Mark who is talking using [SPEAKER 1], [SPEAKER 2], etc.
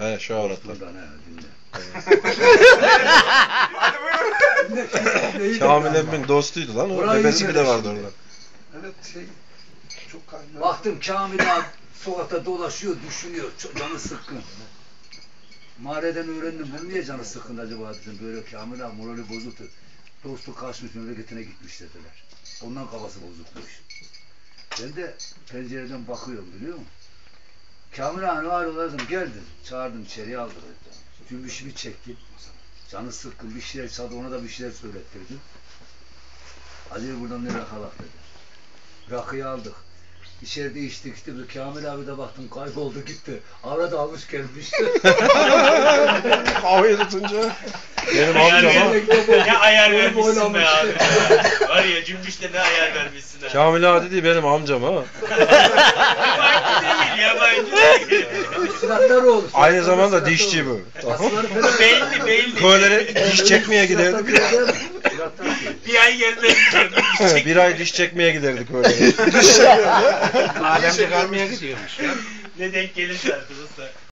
[SPEAKER 1] He şu avratlar.
[SPEAKER 2] Buradan he dinle.
[SPEAKER 1] Kamil emmin dostuydu lan. O
[SPEAKER 2] Burayı
[SPEAKER 1] bebesi bile vardı
[SPEAKER 2] şimdi.
[SPEAKER 1] orada.
[SPEAKER 3] Evet çok kaynağı.
[SPEAKER 2] Baktım Kamil abi sokakta dolaşıyor, düşünüyor, canı sıkkın. Mahalleden öğrendim, ben niye canı sıkkın acaba dedim, böyle Kamil abi morali bozuktu. Dostu kaçmış, memleketine gitmiş dediler. Ondan kafası bozukmuş. Ben de pencereden bakıyorum biliyor musun? Kamil abi var olaydım, gel dedim. Çağırdım içeriye aldı dedi. Cümbüşümü çekti. Canı sıkkın, bir şeyler çaldı, ona da bir şeyler söylettirdim. Hadi buradan ne rakalak dedi. Rakıyı aldık. İçeride içtik işte, bir Kamil abi de baktım kayboldu gitti. Arada almış gelmiş.
[SPEAKER 1] Havayı tutunca. Benim amcama.
[SPEAKER 4] Ne ayar vermişsin be abi. Var ya Cümbüş'te ne ayar vermişsin ha.
[SPEAKER 1] Kamil ağa dedi benim amcam ha.
[SPEAKER 4] Yabancı değil.
[SPEAKER 2] Silahlar olur.
[SPEAKER 1] Aynı zamanda dişçi bu.
[SPEAKER 4] Belli.
[SPEAKER 1] Köylere diş çekmeye giderdik.
[SPEAKER 4] Bir ay gelmedi.
[SPEAKER 1] Bir ay diş çekmeye giderdik köylere.
[SPEAKER 5] Alemde kalmaya gidiyormuş.
[SPEAKER 4] Ne denk gelirse artık usta.